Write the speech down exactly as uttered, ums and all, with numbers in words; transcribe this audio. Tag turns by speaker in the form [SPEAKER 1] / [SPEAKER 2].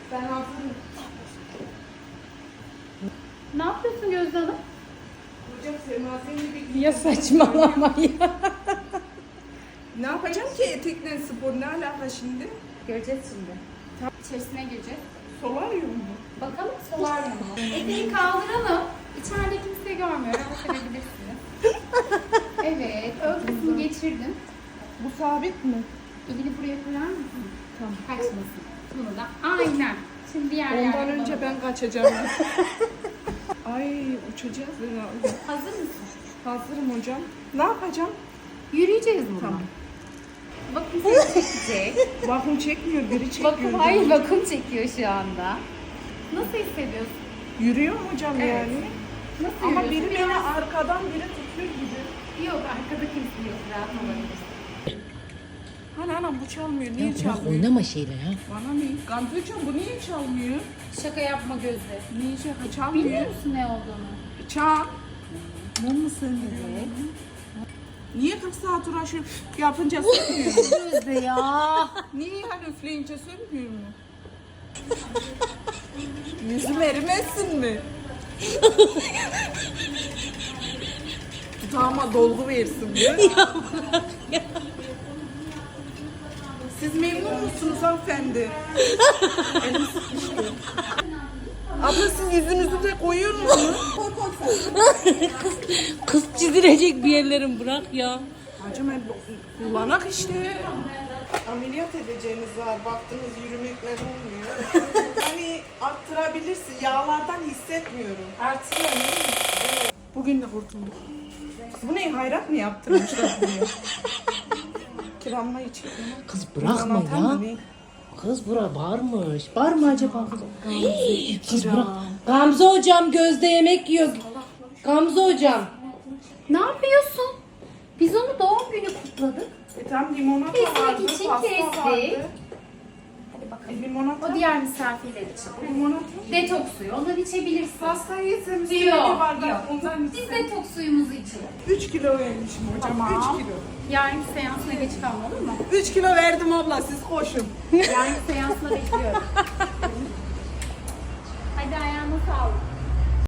[SPEAKER 1] Ben hazırım.
[SPEAKER 2] Ne yapıyorsun Gözde Hanım?
[SPEAKER 1] Hocam Sema senin bir...
[SPEAKER 2] Ya saçmalama ya.
[SPEAKER 1] Ne yapacağım ki etekle spor? Ne alaka şimdi?
[SPEAKER 2] Göreceğiz şimdi. İçerisine gireceğiz.
[SPEAKER 1] Solaryum mu?
[SPEAKER 2] Bakalım solaryum mu? Eteği kaldıralım. İçeride kimse görmüyor. Rahat edebilirsiniz. Evet. Ön kısmı geçirdim.
[SPEAKER 1] Bu sabit mi?
[SPEAKER 2] Elini buraya koyar mısın?
[SPEAKER 1] Tamam.
[SPEAKER 2] Kaçmasın. Bunu da aynen. Şimdi diğer
[SPEAKER 1] Ondan
[SPEAKER 2] yerden
[SPEAKER 1] önce
[SPEAKER 2] bana-
[SPEAKER 1] ben kaçacağım. Ay uçacağız herhalde.
[SPEAKER 2] Hazır mısın?
[SPEAKER 1] Hazırım hocam. Ne yapacağım?
[SPEAKER 2] Yürüyeceğiz buradan.
[SPEAKER 1] Tamam.
[SPEAKER 2] Bakın seni çekecek.
[SPEAKER 1] Vakum çekmiyor, biri çekiyor.
[SPEAKER 2] Bakın hayır vakum çekiyor şu anda. Nasıl hissediyorsun?
[SPEAKER 1] Yürüyor mu hocam
[SPEAKER 2] Evet.
[SPEAKER 1] yani?
[SPEAKER 2] Nasıl
[SPEAKER 1] Ama
[SPEAKER 2] yürüyorsun?
[SPEAKER 1] biri beni arkadan biri tutuyor gibi.
[SPEAKER 2] Yok arkada kimse yok. Rahat olabilirsin.
[SPEAKER 1] Hani anam bu çalmıyor. Niye
[SPEAKER 3] Ya bırak
[SPEAKER 1] çalmıyor?
[SPEAKER 3] oynama şeyle ya.
[SPEAKER 1] Bana ne? Gamze hocam bu niye çalmıyor?
[SPEAKER 2] Şaka yapma Gözde.
[SPEAKER 1] Niye şaka çalmıyor?
[SPEAKER 2] Biliyor musun ne olduğunu?
[SPEAKER 1] Çal. Mum mu söndürüyor?
[SPEAKER 2] Evet.
[SPEAKER 1] Niye kırk saat uğraşıyor? Yapınca sönmüyor mu?
[SPEAKER 2] Gözde ya.
[SPEAKER 1] Niye yani üfleyince sönmüyor mu? Yüzüm erimesin mi? Dudağıma dolgu versin diyor. Siz memnun musunuz hanımefendi? Elim sıkıştı. Abla siz yüzünüzü de koyuyor musunuz? Koy koy sen.
[SPEAKER 3] kız, kız çizilecek bir yerlerim bırak ya.
[SPEAKER 1] Hacım ben kullanak işte. Ameliyat edeceğiniz var. Baktınız yürümekler olmuyor. Hani arttırabilirsin. Yağlardan hissetmiyorum. Artırıyor mu? Bugün de kurtulduk. Bu ne? Hayrat mı yaptırmışlar bunu? Kiranma için.
[SPEAKER 3] Kız bırakma ya. Kız bura bağırmış. Bağırma acaba kız? Hii, kız bırak. Gamze hocam Gözde yemek yiyor. Gamze hocam.
[SPEAKER 2] Ne yapıyorsun? Biz onu doğum günü kutladık.
[SPEAKER 1] E tam limonata
[SPEAKER 2] Kesmek
[SPEAKER 1] vardı,
[SPEAKER 2] için
[SPEAKER 1] pasta
[SPEAKER 2] kestik.
[SPEAKER 1] vardı.
[SPEAKER 2] Hadi bakalım.
[SPEAKER 1] E, limonata.
[SPEAKER 2] O diğer misafirler için.
[SPEAKER 1] Limonata.
[SPEAKER 2] Detoks suyu. Ondan içebilirsin.
[SPEAKER 1] Pastayı yesem
[SPEAKER 2] Yok,
[SPEAKER 1] bir bardak
[SPEAKER 2] yok.
[SPEAKER 1] ondan
[SPEAKER 2] Biz
[SPEAKER 1] içsem.
[SPEAKER 2] detoks suyumuzu içelim.
[SPEAKER 1] üç kilo vermişim hocam.
[SPEAKER 2] Tamam.
[SPEAKER 1] üç kilo.
[SPEAKER 2] Yarın seansına geç kalma olur mu?
[SPEAKER 1] üç kilo verdim abla siz koşun.
[SPEAKER 2] Yarın seansına bekliyorum. Hadi ayağına sağlık.